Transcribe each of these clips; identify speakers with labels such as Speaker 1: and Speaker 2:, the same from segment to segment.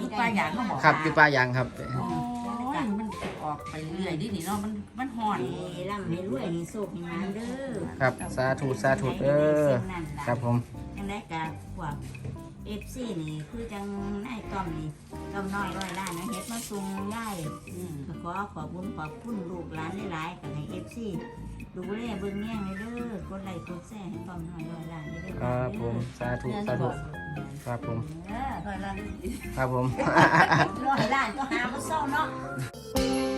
Speaker 1: อยู่ปลายยางเขาบอก
Speaker 2: ครับอยู่ปลายางครับ
Speaker 1: โอ้ยมันออกไปเรื่อยดินี่เนาะมันห่อน
Speaker 3: ให้ร่ำให้รวยให้โชคให้มาเด้อ
Speaker 2: ครับสาธุสาธุเออครับผม
Speaker 3: จังได้กับพวก FC นี่คือจังนายต้อมนี่ต้อมน้อยร้อยล้านนะเฮ็ดมาส่งได้ขอขอบคุณลูกหลานหลายๆกับให้ FC ดูแลเบิ่งแย่งเลยเด้อกดไลค์กดแชร์ให้ต้อมน้อยร้อยล้านเด้อ
Speaker 2: ครับผมสาธุสาธุครับผม
Speaker 1: ร้อยล้าน
Speaker 2: ครับผม
Speaker 3: ร้อยล้านก็หาบ่เศร้าเนาะ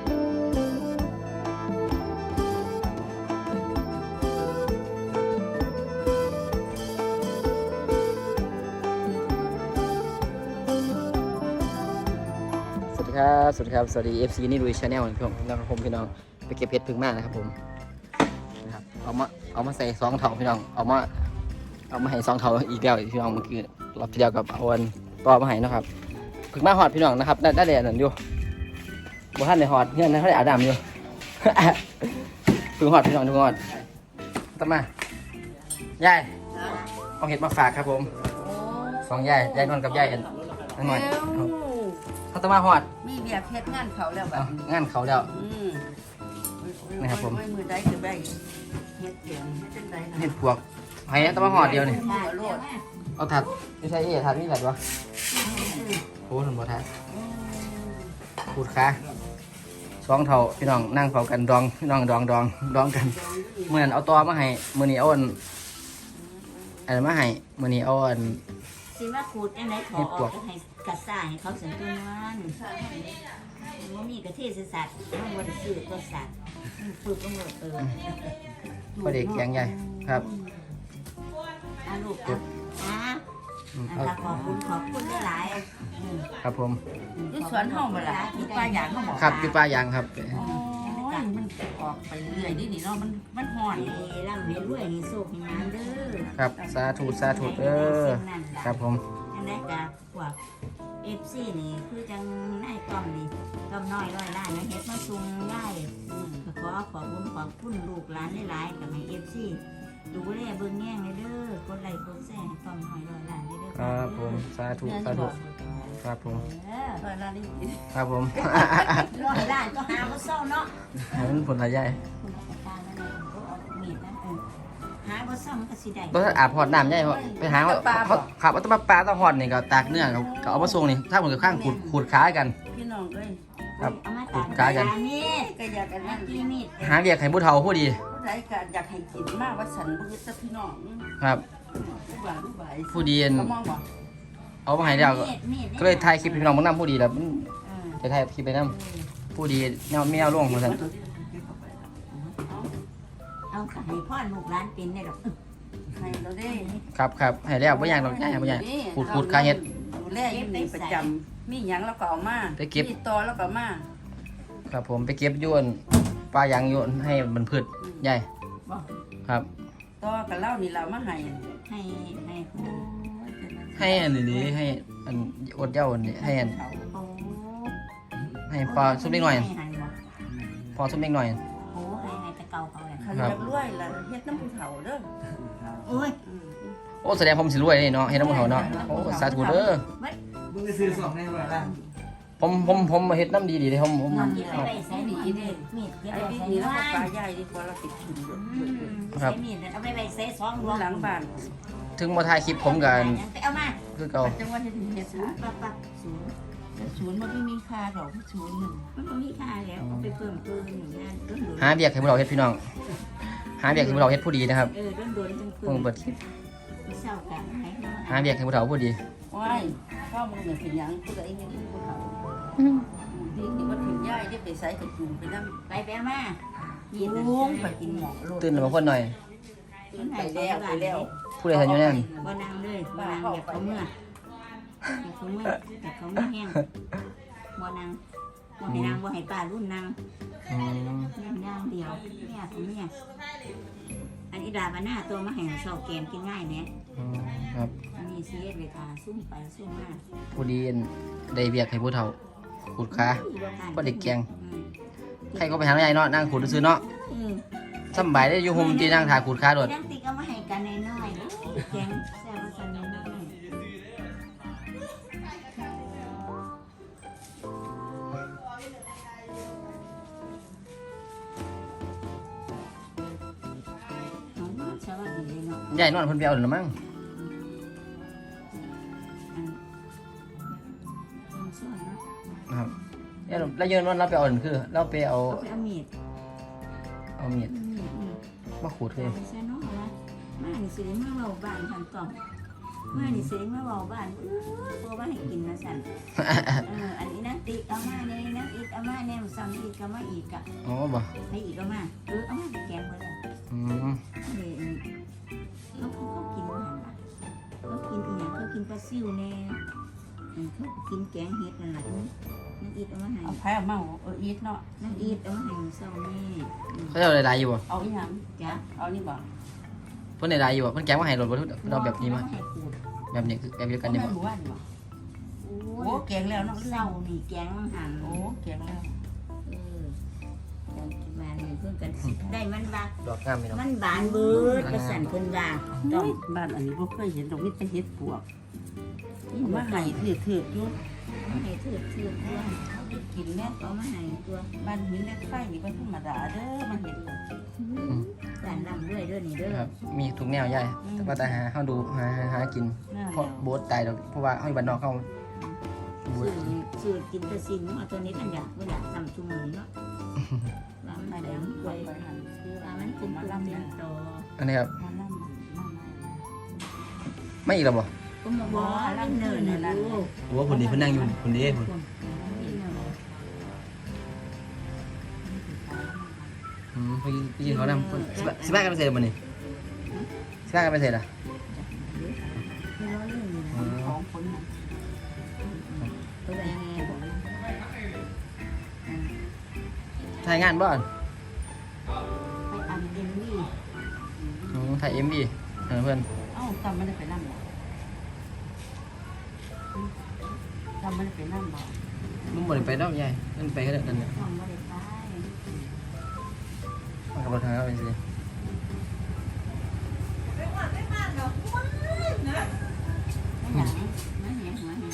Speaker 2: สวัสดีครับสวัสดีครับสวัสดี FC นี่ลุยชาแนลนะครับผมพี่น้องไปเก็บเพชรพึ่งมากนะครับผมนะครับเอามาใส่ซองเถาพี่น้องเอามาให้ซองเถาอีกแล้วพี่น้องเมื่อกี้รอบที่แล้วกับเอาอันต่อมาให้นะครับพึ่งมาหอดพี่น้องนะครับได้แดดนั่นอยู่บ่ท่านได้หอดเงี้ยนะเขาได้อาบน้ำอยู่ พึ่งหอดพี่น้องพึ่งหอดตั้มายายเอาเห็ดมาฝากครับผมสองยายนวลกับยายอันนั่นหน่อยเขาต้องมาหอด
Speaker 1: มีเบียร์เพชรงานเขาแล้วแบบ
Speaker 2: งานเขาแล้วนะครับผม
Speaker 1: ไม่มือได้คือได้เฮ็ดเสียงเฮ็ดจังไดนะ
Speaker 2: เห็ดปวกไห้ต้องมาหอดเดียวนี่
Speaker 1: หัวโลด
Speaker 2: เอาถัดไม่ใช่ถัดนี่ถัดวะโอ้หนุ่มบ่ถัดพูดค่ะสองเท่าพี่น้องนั่งเฝ้ากันดองพี่น้องดองกันเมื่อนั้นเอาตอมาให้มื่อนี้เอาอันมาให้มื่อนี้เอาอัน
Speaker 3: สิมาขูดจังไดขอออกให้กระซ่าให้เขาสันตัวนั้นบ่มีกระเทศสัตว์มันบ่ได้ซื้อตัวสัตว์ฝึกก็หมด
Speaker 2: พอเด็กแข็งใหญ่ครับ
Speaker 3: ลูกนะคะขอบคุณหลาย
Speaker 2: ครับผม
Speaker 1: อยู่สวนห้องบ่ล่ะอยู่ปลายยางเขาบอก
Speaker 2: ครับอยู่ปลายางครับ
Speaker 1: โอ้ยมันออกไปเรื่อยดินี่เนาะมันห่อน
Speaker 3: ให้ร่ำให้รวยให้โชคให้มาเด้อ
Speaker 2: ครับสาธุเออครับผม
Speaker 3: จังได้กับพวก FC นี่คือจังนายต้อมนี่ต้อมน้อยร้อยล้านนะเฮ็ดมาส่งได้ขอขอบคุณลูกหลานหลายๆกับให้ FC ดูแลเบิ่งแย่งเลยเด้อกดไลค์กดแชร์ให้ต้อมน้อยร้อยล้านเด้อ
Speaker 2: ครับผมสาธุครับผม
Speaker 1: ร้อยล้านนี่
Speaker 2: ครับผม
Speaker 3: ร้อยล้านก็หาบ่เศร้าเนาะ
Speaker 2: มันผลอะไรใหญ่
Speaker 3: คุณราชการนั่นน่ะก็เอามีดนั่นหาบ่เศร้ามันก็สิได้
Speaker 2: ต้องอาบหอดน้ำใหญ่ไปหาขับเอาต้นปลาต้องหอดนี่ก็ตากเนื้อก็เอามาส่งนี่ถ้าเหมือนกับข้างขูดขากัน
Speaker 1: พี่น้องเอ้ย
Speaker 2: ครับ
Speaker 3: เอามา
Speaker 2: ขู
Speaker 3: ตาก
Speaker 2: ดขากัน
Speaker 3: มีด
Speaker 1: ก็อยากกันนั่น
Speaker 3: มีมีด
Speaker 2: หาเรียกให้ผู้เฒ่าผู้ดี
Speaker 1: ผู้ใดก็อยากให้กินมากว่าฉันบ่คือแต่พี่น้อง
Speaker 2: ครับ
Speaker 1: ผู้บ่าวผู้บ่าย
Speaker 2: ผู้ดี
Speaker 1: เขามองบ่
Speaker 2: เอามาให้แล้วก็เลยถ่ายคลิปพี่น้องมึงนำผู้ดีแล้วจะถ่ายคลิปไปนำผู้ดีแนวไม่เอาล่วงเหมือนกัน
Speaker 3: เอาค่ะให้พ่อลูกหลานเป็นได้ดอก
Speaker 1: ให้เราได้
Speaker 2: ครับให้แล้วไม่อยากหรอกง่ายไม่อยากขูดขาเห็ด
Speaker 1: ดูแลอยู่นี่ประจำมีหยังแล้วก็เอามา
Speaker 2: ไปเก็บ
Speaker 1: มีตอแล้วก็เอามา
Speaker 2: ครับผมไปเก็บโยนปลายางโยนให้มันพืชใหญ่
Speaker 1: บ่
Speaker 2: ครับ
Speaker 1: ตอกับเหล้านี่เรามาให้
Speaker 3: ให้ให้โอ้
Speaker 2: ให้อันนี้ให้อันอดเย้าอันนี้ให้อัน
Speaker 3: โอ้
Speaker 2: ให้พอซุปเล็กหน่อย
Speaker 3: ให้บ่
Speaker 2: พอซุปเล็กหน่อย
Speaker 3: โอ้ให้แต่เก่าเขาแหละ
Speaker 1: คันอยากรวยล่ะเฮ็ดน้ำผู้เฒ่าเด้อ
Speaker 3: โอ้ย
Speaker 2: โอ้แสดงผมสิรวยนี่เนาะเห็นน้ำมันเขาเนาะโอ้สาธุเด้อ
Speaker 4: มึงไปซื้อสองในเวลา
Speaker 2: ผมเฮ็ดน้ำดีเลยผม
Speaker 3: นอนกินไปได้ใส่มีดมีดเก็บ
Speaker 1: ไอ้
Speaker 3: ไว้
Speaker 1: พี่
Speaker 3: ใส่
Speaker 1: นี่แล้วก็
Speaker 3: ไว้
Speaker 1: ปลาใหญ่ดีกว่าเราติดถุง
Speaker 3: ใส่มีดเอาไปใส่ซอง
Speaker 1: หลังบ้าน
Speaker 2: ถึงมาถ่ายคลิปผมกัน
Speaker 3: เอามา
Speaker 2: คือเก่า
Speaker 1: จังหวัดที่ถึงเฮ็ดศูนย์
Speaker 3: ปักศูนย์
Speaker 1: ศูนย์มันไม่มีค่าดอกศูนย์หนึ่ง
Speaker 3: มันก็มีค่าแล้วเอาไปเพิ่มอย่างนั้นต้นโดน
Speaker 2: หาเบียกให้พวกเราเฮ็ดพี่น้องหาเบียกให้พวกเราเฮ็ดผู้ดีนะครับ
Speaker 3: ต้นโดนจัง
Speaker 2: เพิ่งเปิดคลิป
Speaker 3: เศร้ากัน
Speaker 2: หาเบียกให้พวกเราผู้ดี
Speaker 1: ว้ายข้าวมึงเนี่ยเป็นหยังผู้ใดยังผู้เฒ่าที่ว่าถึงย่ายได้ไปใส่กระจุงไปนั่ง
Speaker 3: ไปไปมากิน
Speaker 1: ลุงไปกินหมอโลด
Speaker 2: ตื่นมาคนหน่อย
Speaker 1: ไปแล้ว
Speaker 2: ผู้ใดทันอยู่นั่น
Speaker 3: บ่นางเลยบ่นางอยากเขาเมื่อแต่เขาไม่แห้งบ่นางบ่ให้นางบ่ให้ป้ารุ่นนาง
Speaker 2: อืม
Speaker 3: ย่างเดียวเนี่ยของเนี่ยอันนี้ดาบหน้าตัวมาแห่งเสาแกนกินง่ายเนี่ย
Speaker 2: ครับ
Speaker 3: อันนี้เสียเลยค่ะซุ่มไปซุ่มมา
Speaker 2: ผู้ดีได้เบียกให้ผู้เฒ่าขูดขาก็เด็กแกงใครก็ไปหาใหญ่เนาะนั่งขูดซื้อเนาะสบายได้อยู่โฮมที่นั่งถ่ายขูดขาโดด
Speaker 3: ยังติก็มาให้กันน้อยๆแกงแซ่บกันน้อย
Speaker 2: ใหญ่นอนเพิ่นไปเอาหรือมั้ง
Speaker 3: ส่วนเนาะ
Speaker 2: นะครับแล้วเยินนอนเราไปเอาหรือคือเราไปเอา
Speaker 3: เอาไปเอามีด
Speaker 2: มีดมาขูดเลย
Speaker 3: ไปใส่น้องนะมานี่สิได้มาเว้าบ้านทันต่อมมานี่สิได้มาเว้าบ้านตัวว่าให้กินนะสั่นอันนี้นะติ๊กเอามาเนี่ยนะอีกเอามาเนี่ยสั่งอีกเอามาอีกอ่ะ
Speaker 2: อ๋อบ่
Speaker 3: ให้อีกเอามาเอามาแกงไว้เลย เขากินอาหารละเขากินอีหยังเขากินปลาซิวแน่เขากินแกงเห็ดนั่นแหละนั่นอีดเอามาให้
Speaker 1: เอาไผ่เอามาอีทเนาะ
Speaker 3: นั่นอีดเอามาให้เศร้าแม่
Speaker 2: เขาจะเอาอะไรอยู่บ่
Speaker 1: เอาอีหยัง
Speaker 3: จ้ะ
Speaker 1: เอานี่บ่
Speaker 2: เพิ่นได้อยู่บ่เพิ่นแกงมาให้รถบ่เราแบบนี้มา
Speaker 3: ให้ขูด
Speaker 2: แบบนี้คือแบบเดียวกันนี่บ่
Speaker 1: หมู่บ้านบ่
Speaker 3: โอ้
Speaker 1: โอ้แกงแล้วเนาะ
Speaker 3: เศร้านี่แกงมังหัน
Speaker 1: โอ้แกงแล้ว
Speaker 3: การกินมาเนี่ยเพิ่งกันสิได้มันบา
Speaker 2: ดอกงามพี่น้อง
Speaker 3: มันบานเบิดกระสันเพิ่นว่า
Speaker 1: ต้องบ้านอันนี้บ่เคยเห็นดอกมีแต่เห็ดปวกเอามาให้ถืออยู่
Speaker 3: ให้เถื่อนด้วย
Speaker 1: กินแม่
Speaker 3: เอามาให้ตัว
Speaker 1: บ้านหินเหล็กไฟนี่เป็นธรรมดาเด้อมันเห็นเลย
Speaker 3: การลำด้วยเด้อนี่เด้อ
Speaker 2: ครับมีทุกแนวใหญ่แต่ว่าแต่หาดูหากิน
Speaker 1: น่า
Speaker 2: เพราะโบ๊ทตายดอกเพราะว่าเฮาอยู่บ้านนอกเขาโบ๊ท
Speaker 3: สื่อกินแต่สิ่งเอาตัวนี้มันอยากเวลาทำชุมอเนาะว่ามัน
Speaker 1: ไม่
Speaker 3: แด
Speaker 1: ได้
Speaker 3: ง
Speaker 1: ไป
Speaker 3: ป่วย
Speaker 1: หันคือ
Speaker 3: ว่ามันเป็นตุ่มเป็นโต
Speaker 2: อันนี้ครับ
Speaker 1: มานั่ง
Speaker 2: ไม่อีกแล้วบ่
Speaker 3: ก็มาบอกว่าเนินนะลูก
Speaker 2: โอ้ผลดีเพิ่นนั่งอยู่ผลดีผลพี่กินเขานำสิบ้ากันไปเสร็จบ่นี่สิบ้ากันไปเสร็จอ่ะ
Speaker 1: ของคนนั้น
Speaker 3: ตัวแดง
Speaker 2: ถ่ายงานบ่อน
Speaker 3: ไปอันเดนนี่
Speaker 2: ถ่าย MV เพื่อน
Speaker 1: เอ้าจำไม่ได้ไปนั่งบ่จำไม่ได้ไปนั่งบ่
Speaker 2: มึงบ่ได้ไปดอกใหญ่มันไปแค่นั้นเนี่ย
Speaker 3: ต้องไม่ได้ไป
Speaker 2: มันก็บ่ทางเอาไปสิ
Speaker 3: ไม่หยังไม่แหงหัวแหง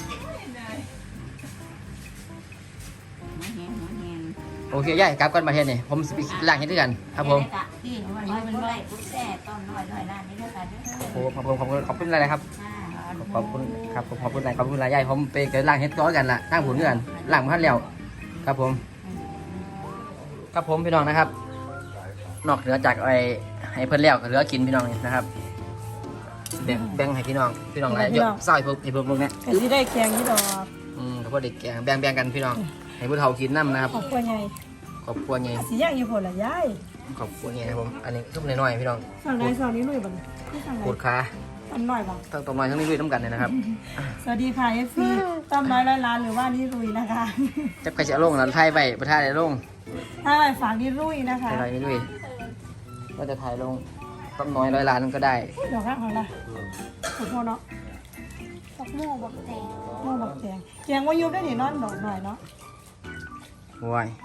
Speaker 3: หัวแหงหัวแหง
Speaker 2: โอเคยายกลับกันประเทศนี่ผมสิไปล้างเฮ็ดด้วยกันครับผม
Speaker 1: ที่มัน
Speaker 3: ไม่
Speaker 1: เป็
Speaker 3: เป็น น
Speaker 1: ไร
Speaker 3: ไรปุ๊บแซ่ต้นน้อยร้านนี้ด้วยกันเด้อ
Speaker 2: โอ้ขอบคุณอะไรครับขอบคุณครับผมขอบคุณอะไรยายผมไปเกิดล้างเฮ็ดก้อยกันล่ะตั้งผลกันล้างมาทันแล้วครับผมครับผมพี่น้องนะครับ นอกเหนือจากไอ้ให้เพิ่นแล้วก็เหลือกินพี่น้องนี่นะครับแบ่งให้พี่น้องหลายเยอะซอยพวกไอ้พวกเนี้ย
Speaker 5: ก็สิได้แกงนี่ดอก
Speaker 2: แล้วก็เด็กแกงแบ่งกันพี่น้องให้ผู้เฒ่ากินน้ำนะครับ
Speaker 5: ครอบครัวใหญ่
Speaker 2: ครอบครัวใหญ่
Speaker 5: สิย่างอยู่พุ่นล่ะยาย
Speaker 2: ครอบครัวใหญ่นะครับผมอันนี้ทุกน้อยๆพี่น้อง
Speaker 5: สั่งได้สั่งนี้ลุยบ่นี่สั่ง
Speaker 2: ปวด
Speaker 5: ได้
Speaker 2: ขา
Speaker 5: ตำน้อยบ่
Speaker 2: ทั้งตรงน้อยทั้งนี้ด้วยน้ำกันเลยนะครับ
Speaker 5: สวัสดีค่ะ FC ตำน้อยร้อยล้านหรือว่านี่ลุยนะคะ
Speaker 2: จับใครจะลงแล้วไทยไปประท่าได้ลง
Speaker 5: ถ้าไปฝากนี่ลุยนะคะ
Speaker 2: ไทยนี่ด้วยก็จะถ่ายลงต้มน้อย100 ล้านก็ได้
Speaker 5: ดอกรักของเราขอโทษเนาะ
Speaker 6: บักโม่บักแตง
Speaker 5: โม่บักแกงแกงว่ายุบได้นี่นอนดอกหน่อยเนาะ
Speaker 2: ว้าย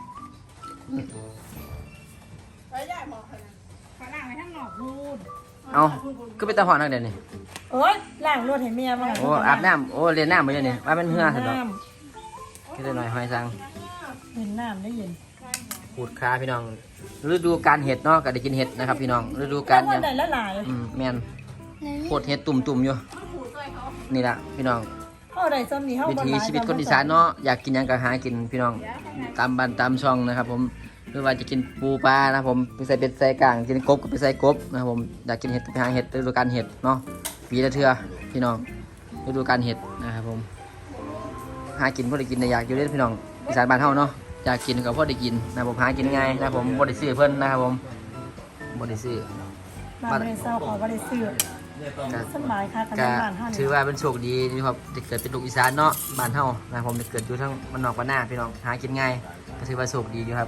Speaker 5: ขนาดไปทั้งนอกพูด
Speaker 2: เอาก็เป็นตาหอนนักเดี๋ยวนี้
Speaker 5: เอ้ยล้างรถให้เมียมา
Speaker 2: โอ้อาบน้ำโอ้เรียนน้ำมาเดี๋ยวนี้ว่าเป็นเหือสุดดอกคิดหน่อยหอยสัง
Speaker 5: เห็นน้ำได้ยิน
Speaker 2: ปูดขาพี่น้องฤดูการเห็ดเนาะก็ได้กินเห็ดนะครับพี่น้องฤดูกา
Speaker 5: การ ร
Speaker 2: ยัง
Speaker 5: ได้ละหลาย
Speaker 2: แมนโคตรเห็ดตุ่มๆอยู่นี่ละพี่น้อง
Speaker 5: เข้าได้ซ้ำนี่เข้า
Speaker 2: วิ
Speaker 5: บ่
Speaker 2: ถี
Speaker 5: หลาย
Speaker 2: ชีวิตคนอีสานเนาะอยากกินหยังก็หากินพี่น้องตามบ้านตามช่องนะครับผมหรือว่าจะกินปูปลานะครับผมไปใส่เป็ดใส่กลางกินกบก็ไปใส่กบนะครับผมอยากกินเห็ดก็ไปหาเห็ดฤดูกาลเห็ดเนาะปีละเทื่อพี่น้องฤดูกาลเห็ดนะครับผมหากินพอได้กินแต่อยากอยู่เล่นพี่น้องอีสานบ้านเฮาเนาะอยากกินก็พอได้กินนะครับผมหากินง่ายนะครับผมบ่ได้ซื้อเพิ่นนะครับผมบ่ได้ซื้อ
Speaker 5: บ้านบ่ได้เศร้าขอบ่ได้ซื้อสบายค่ะกัน
Speaker 2: ก็
Speaker 5: บ้านเฮา
Speaker 2: ถือว่าเป็นโชคดีที่ครับได้เกิดเป็นลูกอีสานเนาะบ้านเฮานะครับผมได้เกิดอยู่ทั้งบ้านนอกบ้านนาพี่น้องหากินง่ายก็ถือว่าโชคดีอยู่ครับ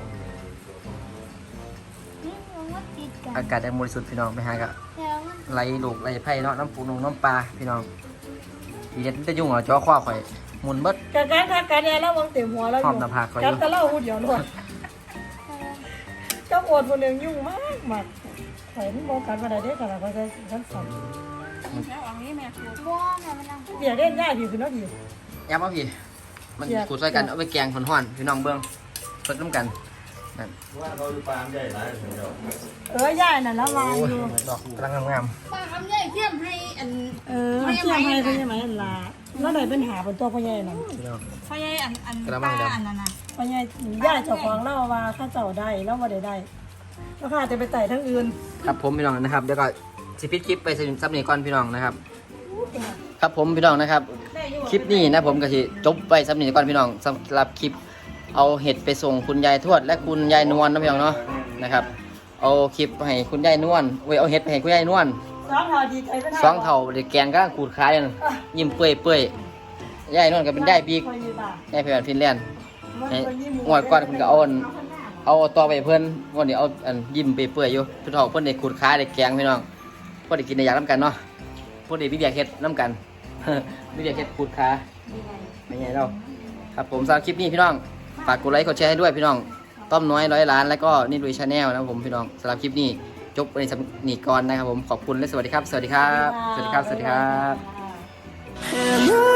Speaker 6: นี่มันว่าติดกัน
Speaker 2: อากาศยังบริสุทธิ์พี่น้องไปหาก็
Speaker 6: แล้วมัน
Speaker 2: ไหลลูกไหลไผ่เนาะน้ำปูน้ำปลาพี่น้องดีเด็ดจะยุ่งเหรอจ้อข้อข่อยหมุนเบิด
Speaker 5: กะการทักการแน่แล้ววางเต็มหัวแล้วอ
Speaker 2: พร้อยู่ มหน้าผากข่อยอ
Speaker 5: กับ
Speaker 2: ยู่
Speaker 5: ตะเล่าหูเดียวล้วนกับอดผู้หนึงยุ่งมากมากข่อยมันบ่กันบ่ได้เด้อค่ะเขาใช้ชั้นสอง
Speaker 6: ว่าแม่มันนั่ง
Speaker 5: เบียร์เล่นง่ายดีคือเนาะดี
Speaker 2: ย้ำเอาพี่มัน
Speaker 5: เสียบ
Speaker 2: ขูดใส่กันเอาไปแกงห่อนๆพี่น้องเบิ้งสดน้ำกัน
Speaker 7: ว่าเขาอยู่ปามใหญ่หลายเดียว
Speaker 5: ย่ายน่ะแล้ววางอยู่
Speaker 2: ดอกกำลังงาม
Speaker 6: ป้าทำใหญ่เทียมให้อัน
Speaker 5: เชื่อไหมพ่อใหญ่ไหมล่ะแล้วได้เป็นหาเป็นตัวพ่อใหญ่นั่น
Speaker 2: ๆพี่น้อง
Speaker 6: พ่อใหญ่อัน
Speaker 2: กระมังดำ
Speaker 6: อันนั้นน่ะ
Speaker 5: พ่อใหญ่ย่ายเจ้าของเล่าว่าข้าเจ้าได้แล้วว่าได้แล้วข้าจะไปไต่ทั้งอื่น
Speaker 2: ครับผมพี่น้องนะครับเดี๋ยวก็สิปิดคลิปไปซับนี่ก่อนพี่น้องนะครับ ครับผมพี่น้องนะครับคลิปนี้นะผมก็สิจบไปซับนี่ก่อนพี่น้องสำหรับคลิปเอาเห็ดไปส่งคุณยายทวดและคุณยายนวลนะพี่น้องเนาะนะครับเอาคลิปให้คุณยายนวลเอาเห็ดไปให้คุณยายนวล
Speaker 5: สองเท่าดีใจเป็น
Speaker 2: สองเท่าเด็กแกงก็ขูดขายกันยิ้มเปื่อยยายนวลก็เป็นยายปีกยายเพลินฟินแลนด์งวดก่อนคุณก็เอาต่อไปเพื่อนวันนี้เอาอันยิ้มเปื่อยอยู่ทุกเท่าเพื่อนเด็กขูดขายเด็กแกงพี่น้องเพื่อนเด็กกินในอยากน้ำกันเนาะเพื่อนเด็กวิเดียเฮ็ดน้ำกัน วิเดียเฮ็ดขูดขาไม่ใช่เราครับผมสำหรับคลิปนี้พี่น้องฝากกดไลค์กดแชร์ให้ด้วยพี่น้องต้อมน้อย100 ล้านแล้วก็นี่ลุยชาแนลนะครับผมพี่น้องสำหรับคลิปนี้จบในสำนีก่อนนะครับผมขอบคุณและสวัสดีครับ สวัสดีครับ สวัสดีครับ สวัสดีครับ
Speaker 5: บ